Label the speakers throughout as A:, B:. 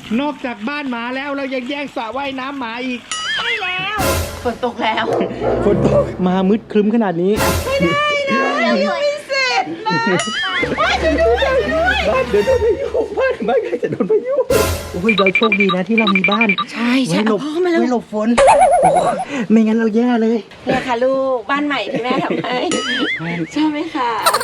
A: นอกจากบ้านหมาแล้วเรายังแย่งสระว่ายน้ำหมาอีก
B: ใช่แล้วฝนตกแล้ว
A: ฝนตกมามืดครึ้มขนาดนี้
B: ยังไม่เสร็จนะบ้านจะโดนพายุ
A: บ้านเดี๋ยวโดนพายุบ้านใครจะโดนพายุโอ้ยเราโชคดีนะที่เรามีบ้าน
B: ใช่ใช่
A: ไว้หลบ
B: พ่อมาแล้ว
A: ไว้หลบฝนโอ้ไม่งั้นเราแย่เลย
B: เนี่ยค่ะลูกบ้านใหม่ที่แม่ทำให้ชอบไหมคะ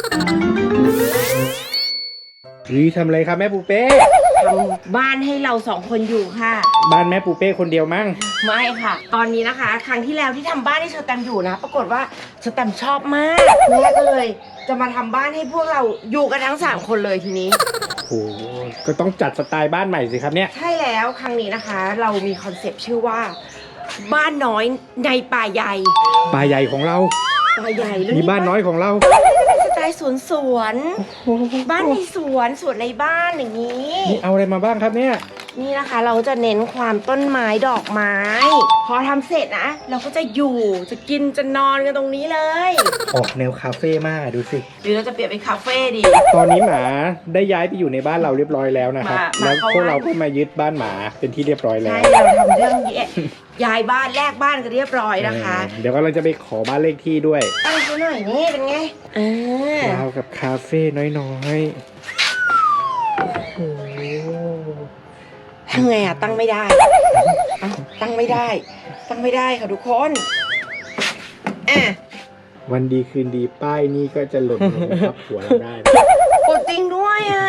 A: รีทำอะไรครับแม่ปูเป้
B: ทำบ้านให้เราสองคนอยู่ค่ะ
A: บ้านแม่ปูเป้คนเดียวมั้ง
B: ไม่ค่ะ ตอนนี้นะคะ ครั้งที่แล้วที่ทำบ้านให้เชอร์แตมอยู่นะ ปรากฏว่าเชอร์แตมชอบมากแม่ก็เลยจะมาทำบ้านให้พวกเราอยู่กันทั้ง3คนเลยทีนี้
A: โอ้ก็ต้องจัดสไตล์บ้านใหม่สิครับเนี่ย
B: ใช่แล้วครั้งนี้นะคะ เรามีคอนเซปต์ชื่อว่า บ้านน้อยในป่าใหญ่
A: ป่าใหญ่ของเรา
B: ป่าใหญ่แล้ว
A: มีบ้านน้อยของเรา
B: สไตล์สวนบ้านในสวนในบ้านอย่างนี้
A: นี่เอาอะไรมาบ้างครับเนี่ย
B: นี่นะคะเราจะเน้นความต้นไม้ดอกไม้ พอทำเสร็จนะ เราก็จะอยู่จะกินจะนอนกันตรงนี้เลย
A: ออกแนวคาเฟ่มากดูสิ
B: หรือเราจะเปลี่ยนเป็นคาเฟ่ดี
A: ตอนนี้หมาได้ย้ายไปอยู่ในบ้านเราเรียบร้อยแล้วนะครับ
B: หมา
A: แล้ว
B: เข้า
A: พวกเรา
B: บ้าน
A: ก็มายึดบ้านหมาเป็นที่เรียบร้อยแล้
B: ใช่
A: ว
B: เราทำเรื่องย้ายบ้านแลกบ้านกันเรียบร้อยนะคะ
A: เดี๋ยวก็เราจะไปขอบ้านเลขที่ด้วย
B: ตั้งซะหน่อยนี่เป็นไงอ่า
A: เรากับคาเฟ่น้อยๆโอ้โห
B: ทำไงอ่ะตั้งไม่ได้เอ้าตั้งไม่ได้ค่ะทุกคนอ่ะ
A: วันดีคืนดีป้ายนี่ก็จะหล่นลงทับหัวเราได้
B: กดจริงด้วยอ่ะ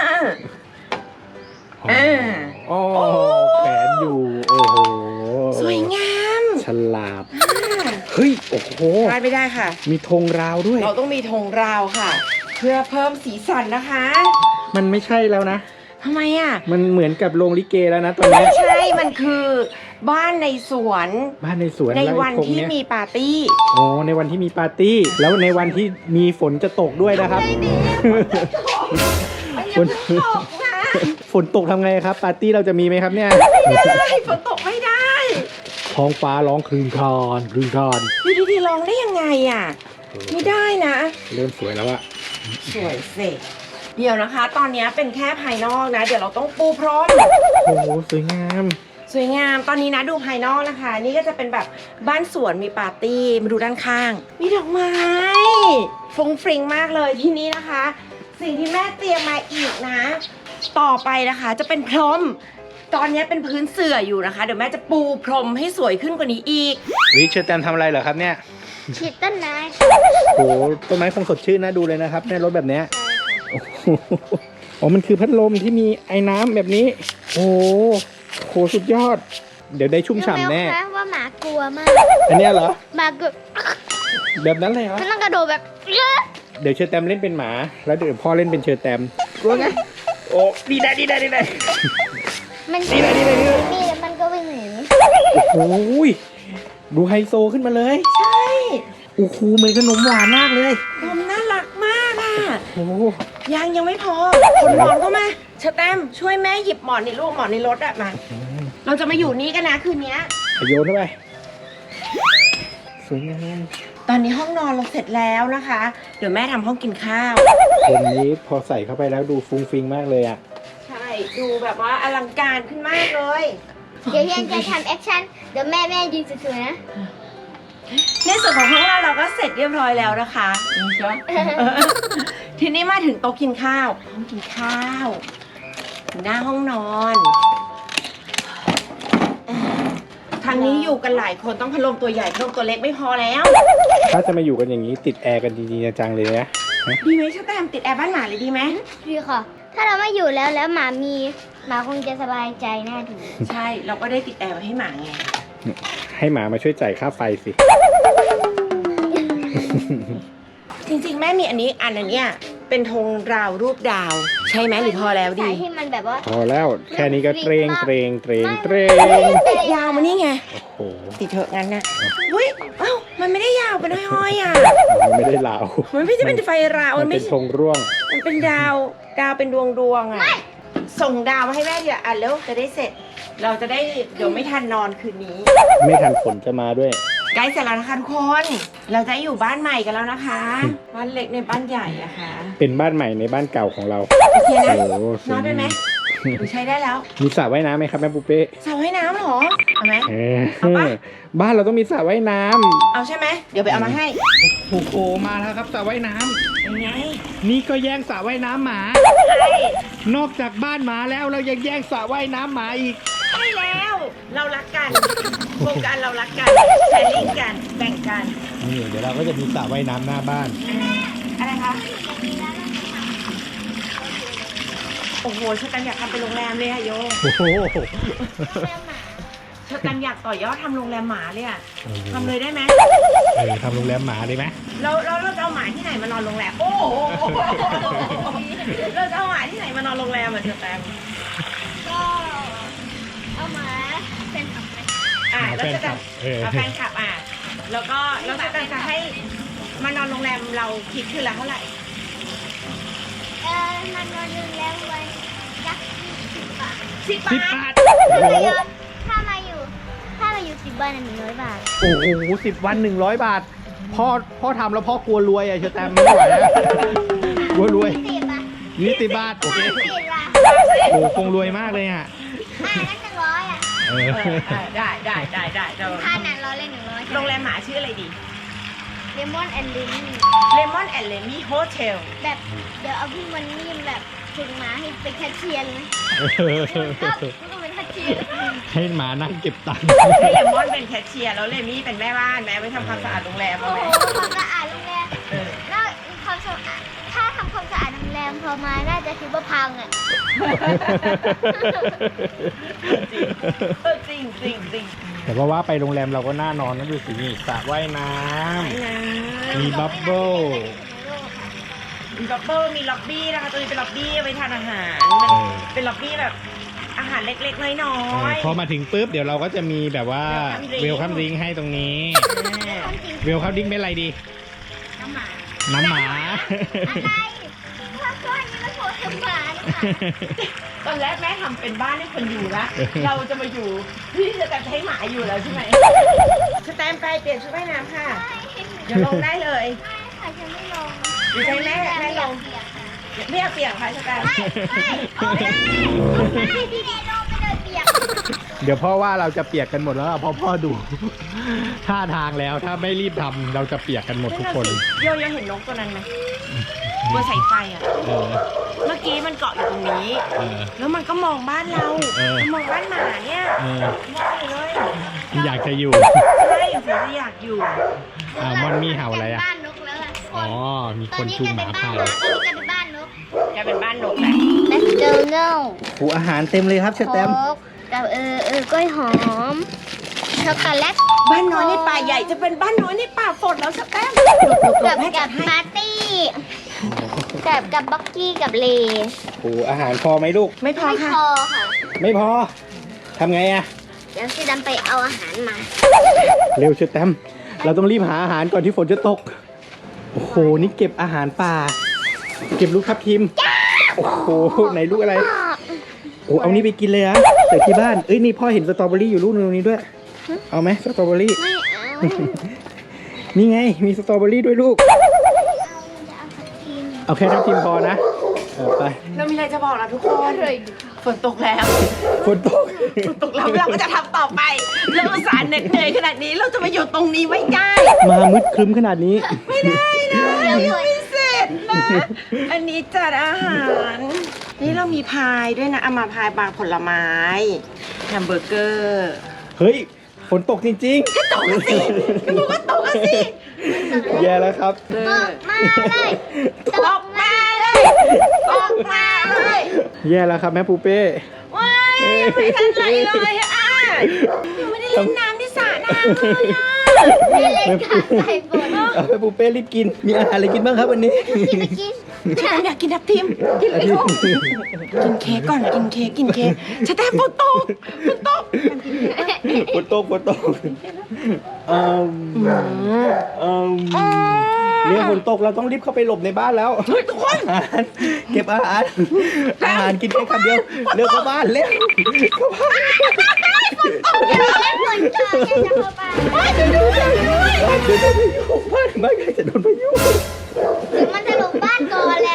A: อ๋อแขวนอยู่ โอ้โห
B: สวยงาม
A: ฉลาด เฮ้ย โอ้โห
B: พลาดไม่ได้ค่ะ
A: มีธงราวด้วย
B: เราต้องมีธงราวค่ะ เพื่อเพิ่มสีสันนะคะ
A: มันไม่ใช่แล้วนะ
B: ทำไมอ่ะ
A: มันเหมือนกับโรงลิเกแล้วนะตอน
B: ไม่
A: นี้
B: ใช่มันคือบ้านในสวน
A: บ้านในสวน
B: ใน
A: ไร่
B: วัน
A: ธง
B: ที่
A: เย
B: มีปาร์ตี้
A: โอ้ในวันที่มีปาร์ตี้ แล้วในวันที่มีฝนจะตกด้วยนะครับ ฝน
B: ตกนะ
A: ฝนตกทำไงครับ ปาร์ตี้เราจะมีไหมครับเนี่ย
B: ไม่ได้ฝนตกไม่ได้
A: ท้องฟ้าร้องครึงครอนครึงครอน
B: อยู่ดีๆร้องได้ยังไงอ่ะ ไม่ได้นะ
A: เริ่มสวยแล้วอะ
B: สวยเสร็จเดี๋ยวนะคะ ตอนนี้เป็นแค่ภายนอกนะ เดี๋ยวเราต้องปูพรม
A: โอ้โหสวยงาม
B: สวยงามตอนนี้นะดูภายนอกนะคะ นี่ก็จะเป็นแบบบ้านสวนมีปาร์ตี้มาดูด้านข้าง มีดอกไม้ฟุ้งฟริ้งมากเลยที่นี่นะคะ สิ่งที่แม่เตรียมมาอีกนะ ต่อไปนะคะจะเป็นพรม ตอนนี้เป็นพื้นเสื่ออยู่นะคะ เดี๋ยวแม่จะปูพรมให้สวยขึ้นกว่านี้อีก
A: วิเชอร์แตมทำอะไรเหรอครับเนี่ย
C: ฉีดต้นไม้
A: โอ้โหต้นไม้คงสดชื่นนะดูเลยนะครับในรถแบบเนี้ยโอ้โหอ๋อมันคือพัดลมที่มีไอ้น้ำแบบนี้ โอ้โหสุดยอด เดี๋ยวได้ชุ่มฉ่ำแน่
C: รู้ไหมคะว่าหมากลัวมาก
A: อันเนี้ยเหรอ
C: หมาก็
A: แบบนั้นเลยเหรอ
C: มันต้องกระโดดแบบเยอะ
A: เดี๋ยวเชอร์แตมเล่นเป็นหมา แล้วเดี๋ยวพ่อเล่นเป็นเชอร์แตมกลัวไงโอ้ดีได้
C: มัน
A: นี่แหละ
C: นี่แล้วมันก็วิ่งหนี
A: โอ้โหดูไฮโซขึ้นมาเลย
B: ใช่
A: โอ้โหเหมือนขนมหวานมากเลย
B: พรมน่ารักมากอ่ะ
A: โอ้โห
B: ยังไม่พอคนนอนก็มาเชอร์แตมช่วยแม่หยิบหมอนในลูกหมอนในรถอะมา เราจะมาอยู่นี่กันนะคืนนี้
A: โยนเข้าไปสวยงาม
B: ตอนนี้ห้องนอนเราเสร็จแล้วนะคะ เดี๋ยวแม่ทำห้องกินข้าว
A: คนนี้พอใส่เข้าไปแล้วดูฟุ้งฟิงมากเลยอ่ะ
B: ใช่ ดูแบบว่าอลังการขึ้นมากเลย
C: เดี๋ยวยังจะทำแอคชั่นเดี๋ยวแม่ยืนสวยๆนะ
B: ในส่วนของห้องเราก็เสร็จเรียบร้อยแล้วนะคะนี่ใช่ไหมทีนี้มาถึงโต๊ะกินข้าว ห้องกินข้าวหน้าห้องนอนทางนี้อยู่กันหลายคนต้องพัดลมตัวใหญ่พัดลมตัวเล็กไม่พอแล้ว
A: ถ้าจะมาอยู่กันอย่างนี้ติดแอร์กันจริงๆจังๆเลยนะ
B: ดีไหมชะแตมติดแอร์บ้านหมาเลยดีไหม
C: ดีค่ะ ถ้าเราไม่อยู่แล้วหมาคงจะสบายใจแน่ดี
B: ใช่ เราก็ได้ติดแอร์ไว้ให้หมาไง
A: ให้หมามาช่วยจ่ายค่าไฟสิ
B: จริงๆแม่มีอันนี้อันเนี้ยเป็นธงราวรูปดาว ใช่ไหมหรือพอแล้วดี
C: ใส่ให้มันแบบว่า
A: พอแล้วแค่นี้ก็เตรง
B: ติดยาวมานี่ไง
A: โอ้โห
B: ติดเถอะงั้นนะอุ้ยเอ้ามันไม่ได้ยาวเป็นห้อยๆอ่ะ
A: มันไม่ได้เหลา
B: มันไม่ใช่เป็นไฟราว
A: มัน
B: ไม่
A: เป็น
B: ใช่
A: ธงร่วง
B: มันเป็นดาวเป็นดวงอ่ะส่งดาวมาให้แม่เดี๋ยวอ่ะแล้วจะได้เสร็จ เราจะได้เดี๋ยวไม่ทันนอนคืนนี้
A: ไม่ทันฝนจะมาด้วย
B: ใกล้เสร็จแล้วนะคะทุกคน เราจะอยู่บ้านใหม่กันแล้วนะคะ บ้านเล็กในบ้านใหญ่อะค่ะ
A: เป็นบ้านใหม่ในบ้านเก่าของเรา
B: โอเคนะ
A: โอ้โหสวย
B: นอนได้ไหม
A: ง
B: ใช้ได้แล้ว
A: มีสระว่ายน้ำไหมครับแม่ปูเป้
B: สระว่ายน้ำเหรอเอาไหม
A: เอาบ้านเราต้องมีสระว่ายน้ำ
B: เอาใช่ไหมเดี๋ยวไปเอามาให้
A: โอ้โหมาแล้วครับสระว่ายน้ำ
B: เป็นไง
A: นี่ก็แย่งสระว่ายน้ำหมา
B: ใช่
A: นอกจากบ้านหมาแล้วเรายังแย่งสระว่ายน้ำหมาอีก
B: ใช่แล้ว เรารักกันโครงการเรารักกันแชร์ลิงก์กันแบ่งกัน
A: นี่เดี๋ยวเราก็จะมีสระว่ายน้ำหน้าบ้าน
B: อะไรคะโอ้โหชกันอยากทำเป็นโรงแรมเลยอะโย
A: โอ้โห
B: ชกันอยากต่อยอดทำโรงแรมหมาเลยอะทำเลยได้ไหม
A: ทำโรงแรมหมาได้ไหม
B: เราจะเอาหมาที่ไหนมานอนโรงแรม โอ้โหเราจะเอาหมาที่ไหนมานอนโรงแรมอะเชแตม
C: ก็เอามาเป็นผักไหม
B: แล้วจะเอาแฟนคลับแล้วก็เราจะให้มานอนโรงแรมเราคิดคืนละเท่าไหร่
C: มันนอนนึงแล้ววันยักษ์10 บาท
B: 10
A: 10
B: บา
A: บา
B: ท
A: ท
C: ถ้ามาอยู่10 วัน100 บาท
A: โอ้โห10 วัน100 บาท พ่อทำแล้วพ่อกลัวรวยอะเชอแตมไม่ไหวนะกลัวรวย
C: 10 บาท
A: 20 บาทโอเค
C: 10 บาท
A: โอ้คงรวยมากเลยอ่ะ
C: นั่น100อ่ะ
B: ได้
C: ค่านั้น100 เลย100
B: โรงแรมหมาชื่ออะไรดี
C: เลมอนแอนด์ลิน
B: Lemon and Lemmy Hotel
C: แบบเดี๋ยวเอาพี่มันนี่แบบถึงมาให้เป็นแคชเชียร์เลยก็เป็นแคชเชียร์
A: ให้หมานั่งเก็บตังค์
B: ให้เลมอนเป็นแคชเชียร์แล้วเลมี่เป็นแม่บ้านแม่ไปทำความสะอาดโรงแรม
C: โอ้
B: เอาไหม
C: โหความสะอาดโรงแรมแล้วความสะอาดถ้าทำความสะอาดโรงแรมพอมาน่าจะคิดว่าพังอ่ะ
B: จริง
A: แต่ว่าไปโรงแรมเราก็น่านอนนะดูสินี่สระว่ายน้ำมีบับเบิ้ล
B: มีบับเบิ้ลมีล็อบบี้นะคะตัวนี้เป็นล็อบบี้ไว้ทานอาหารเป็นล็อบบี้แบบอาหารเล็กๆน้อยๆ
A: พอมาถึงปุ๊บเดี๋ยวเราก็จะมีแบบว่าเวลคัมดริงให้ตรงนี้เวลคัมดริงเป็นอะไรดี
C: น้ำหมา
A: น้ำหมา
C: อะไรเพราะว่านี่มันโผล่ถึงหมานะคะ
B: ตอนแรกแม่ทำเป็นบ้านให้คนอยู่ละเราจะมาอยู่พี่จะแต่ให้หมาอยู่แล้วใช่ไหมสแตมไปเปลี่ยนชุดว่ายน้ำค่ะเดี๋ยวลงได้เลย
C: ค่ะฉันไม่ลง
B: ดีใจแม่ลงไม่อยากเปลี่ยนค่ะสแตม
C: ไม่พี่เนลงไปเลยเปียก
A: เดี๋ยวพ่อว่าเราจะเปียกกันหมดแล้วอะเพราะพ่อดู ท่าทางแล้วถ้าไม่รีบทำเราจะเปียกกันหมดทุกคน
B: โยเห็นนกตัวนั้นไหมบนสายไฟอ่ะ
A: เออ
B: เมื่อกี้มันเกาะอยู่ตรงนี้
A: เออ
B: แล้วมันก็มองบ้านเรา มันมองบ้านหมาเนี่ย
A: เออ
B: มองอยู่เลย
A: อยากจะอยู่
B: ใช่ผมจะอยากอยู่
A: มันมีเห่าอะไรอะ
C: บ้านนกแล้วอะ
A: อ๋อมี
C: ต
A: ค
C: อน
A: น
C: นี้
A: จูง
C: กลาย
A: ห
C: เป็
A: มาน
C: บ้าน
A: ผ่าน
C: หมาตอนนี้กลายเป็นบ้านนก
B: จะเป็นบ้านนกแหละ
C: McDonald
A: หูอาหารเต็มเลยครับเชอแตม
C: โค้กกับกล้วยหอมช็อกโกแลต
B: บ้านน้อยในป่าใหญ่จะเป็นบ้านน้อยในป่าฝนแล้วสแตม
C: กับ
B: แม่จั
C: กั
B: ด
C: บ
B: ให้
C: ปาร์ตี้กับบ็อกกี้กับเล
A: หูอาหารพอไหมลูก
B: ไม่พอ
C: ไม่
B: ค่ะ
C: พอค่ะ
A: ไม่พอทำไงอะ
C: เดี๋ยวซีดำไปเอาอาหารมา
A: เร็วเชอแตมเราต้องรีบหาอาหารก่อนที่ฝนจะตก โอ้โหนี่เก็บอาหารป่า เก็บลูกทับทิมโอ้โหไหนลูกอะไร โอ้เอานี่ไปกินเลยอะแต่ที่บ้าน เอ้ยนี่พ่อเห็นสตรอเบอรี่อยู่ลูกนึงตรงนี้ด้วย เอาไหมสตรอเบอรี่
C: ไม่เอา
A: นี่ไงมีสตรอเบอรี่ด้วยลูก
C: จะเอาผักชีน
A: เอาแค่ทับทิมพอนะไป
B: เรามีอะไรจะบอกนะทุกคนฝนตกแล้ว
A: ฝนตก
B: ตกแล้วเราก็จะทำต่อไปเราอุตส่าห์เหน็ดเหนื่อยขนาดนี้เราจะมาอยู่ตรงนี้ไม่ได้
A: มามืดครึ้มขนาดนี้
B: ไม่ได้นะยังไม่เสร็จนะ อันนี้จัดอาหาร นี่เรามีพายด้วยนะเอามาพายบางผลไม้แฮมเบอร์เกอร์
A: เฮ้ยฝนตกจริง
B: ตกสิก็บอกว่าตกสิ
A: ๆ แย่แล้วครับ
C: ตกมาเลย
B: ตกมาเลยตกมาเลย
A: แย่แล้วครับแม่ปูเป้
B: ว้ายยังไม่ทันไรเลยอ่ะยังไม่ได้เล่นน้ำที่สระน้ำเลยอ่ะ
C: ไม่เล่นกับใส่ฝน
A: เอาแม่ปูเป้รีบกิน มีอาหารอะไรกินบ้างครับวันนี้
C: กินไปกิน
B: อยากกินทับทิมกินเลยลูกกินเค้กก่อนกินเค้กชะแตมฝนตก
A: ฝนตกเนี่ยฝนตกเราต้องรีบเข้าไปหลบในบ้านแล้ว
B: เฮ้ยทุกคน
A: เก็บอาหารกินแค่คำเดียวเร็วเข้าบ้านเร็วเข้าบ้าน
C: เล่นฝนก่อนจะเข้าไป
A: เดี๋ยวโดนพายุบ้านใครจะโดนพายุ
C: ถึงมันจะลงบ้านก่อนแหละ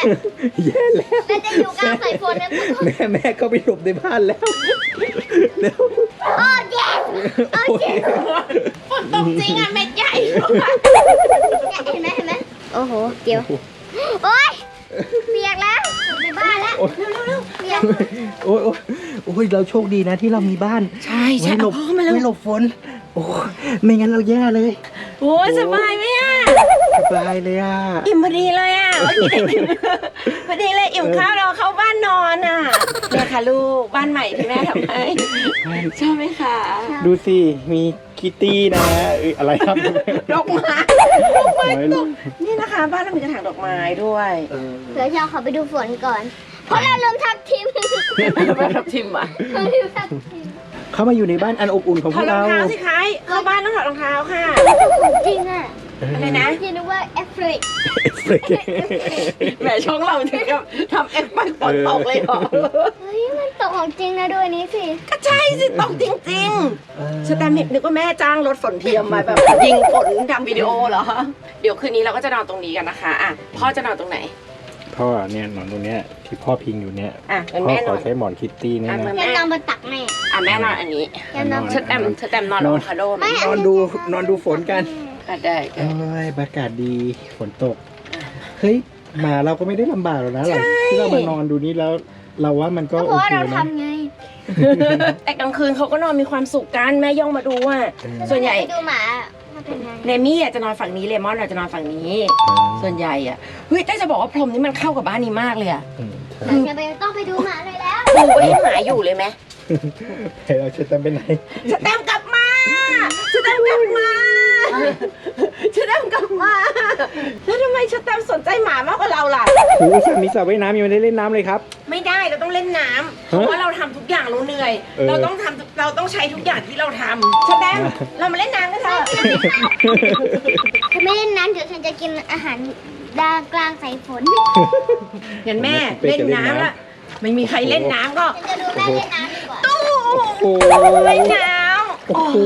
A: แย่แล้ว
C: แม่จะอยู่กลางสายฝนนะ
A: แม่ก็ไปหลบในบ้านแล้วเร็ว
C: โอ้เจ็บ
A: โอ้ย
B: ฝนตกจริงอ่ะเม็ดใหญ่
C: เห็นไหมโอ้โหเดี๋ยวโอ๊ยเปียกแล้วในบ้านแล้วเปียก
A: โอ้ยโอ้ยเราโชคดีนะที่เรามีบ้าน
B: ใช่
A: ไว้หลบ
B: พ่อมาแล้ว
A: ไว้หลบฝนโอ้ไม่งั้นเราแย่เลย
B: โอ้ยสบายไหมอ่ะ
A: สบายเลยอ่ะ
B: อิ่มพอดีเลยอ่ะเมื่อกี้อิ่มพอดีเลยอิ่มข้าวเราเข้าบ้านนอนอ่ะเนี่ยค่ะลูกบ้านใหม่ที่แม่ทำให้ชอบไหมคะ
A: ดูสิมีคิตตี้นะอะไรครับ
B: ดอกไม้ตกนี่นะคะบ้านเรามีกระถางดอกไม้ด้วย
C: เดี๋ยวเราขอไปดูฝนก่อน เพราะเราลืมทับทิม
B: บ้านทับทิมอ่ะ
C: เราลืมทับทิม
A: เข้ามาอยู่ในบ้านอันอบอุ่นของ
B: ถ
A: พ
B: อ
A: ว
B: ด
A: ก
B: รอง
A: เรา
B: เท้าสิคะเข้าบ้านต้องถอดรองเท้าค่ะ
C: ของจริงอ่ะ
B: อะไรนะ
C: คิดว่าแอฟริก
B: แหมช่องเราถึงกับทำเอ็กซ์ไปฝนตกเลยเหรอ
C: เฮ้ยมันตกของจริงนะด้วยนี้สิ
B: ก็ใช่สิตกจริงๆสแตมป์นึกว่าแม่จ้างรถฝนเทียมมาแบบยิงฝนทำวิดีโอเหรอ เดี๋ยวคืนนี้เราก็จะนอนตรงนี้กันนะคะอ่ะพ่อจะนอนตรงไหน
A: พ่อเนี่ยนอนตรงเนี้ยที่พ่อพิงอยู่เนี่ย
B: อ่ะงั้น
A: พ่อ
B: แม่
A: ข
B: น
A: อ
B: อน
A: ใช้หมอนคิตตี้เนี่ย
B: อ่ะ
A: นะ
C: จะนอนบนตักแม่
B: อ่ะแม่นอนอันนี้
C: จะนอน
B: สแตมป์นอนอะโวคาโดไหม
A: นอนดูฝนกัน
B: อ่ะได้
A: โอ้ยอากาศดีฝนตกเฮ้ยหมาเราก็ไม่ได้ลำบากหรอกนะหลังที่เรามานอนดูนี้แล้ว เราว่ามันก็
C: ก็เพ
A: โอ
C: ราะว่า
A: เค
C: เรา
A: นะ
C: ทำไง
B: แต่กลางคืนเขาก็นอนมีความสุขกันแม่ย่องมาดูว่า ส่วนใหญ่
C: ไปดูหมาว่าเป็นไง
B: เรมี่อ่ะจะนอนฝั่งนี้เลมอนอ่ะจะนอนฝั่งนี้ ส่วนใหญ่อ่ะเฮ้ยแต่จะบอกว่าพรมนี้มันเข้ากับบ้านนี้มากเลยอ่ะ
A: อืมใช่
C: เราจะไปต้องไปดูหมาเลยแล้ว
B: ปูไว้ให้หมาอยู่เลยไหม
A: เฮ้ยเราจะจำเป็นไหน
B: สแตมป์กลับมาสแตมป์กลับมาสแตมป์กลับมาแล้วทำไมสแตมป์สนใจหมามากกว่าเราล่ะ
A: โอ้ยสระมีสระว่ายน้ำยังไม่ได้เล่นน้ำเลยครับ
B: ไม่ได้เราต้องเล่นน้ำเพราะว่าเราทำทุกอย่างเราเหนื่อย เราต้องใช้ทุกอย่างที่เราทำสแตมป์เรามาเล่นน้ำกันเถอะ
C: ถ้าไม่เล่นน้ำเดี๋ยวฉันจะกินอาหารดากลางสายฝน
B: งั้นแม่เล่นน้ำละไม่มีใครเล่นน้ำก็
C: ฉันจะดูแม่เล่นน้ำดีกว่า
B: ตู้
A: โอ้โห
B: เล่นน้ำ
A: โอ้โห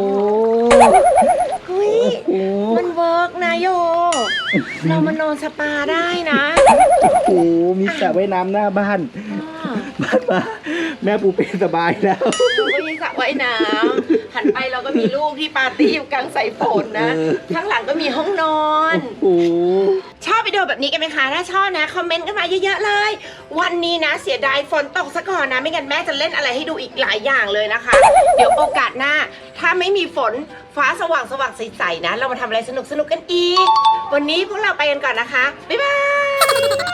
B: เฮ้ย
A: โอ้โห
B: มันเวิร์กนะโย เรามานอนสปาได้นะ
A: โอ้โหมีสระว่ายน้ำหน้าบ้านบ้านมาแม่ปูเป็นสบายแล้ว
B: เราก็มีสระว่ายน้ำหันไปเราก็มีลูกที่ปาร์ตี้อยู่กลางสายฝนนะ ข้างหลังก็มีห้องนอน
A: โอ้โห
B: ชอบวิดีโอแบบนี้กันไหมคะ ถ้าชอบนะ คอมเมนต์กันมาเยอะๆเลย วันนี้นะเสียดายฝนตกซะก่อนนะ ไม่งั้นแม่จะเล่นอะไรให้ดูอีกหลายอย่างเลยนะคะ เดี๋ยวโอกาสหน้า ถ้าไม่มีฝนฟ้าสว่างใสๆนะ เรามาทำอะไรสนุกๆกันอีก วันนี้พวกเราไปกันก่อนนะคะ บ๊ายบาย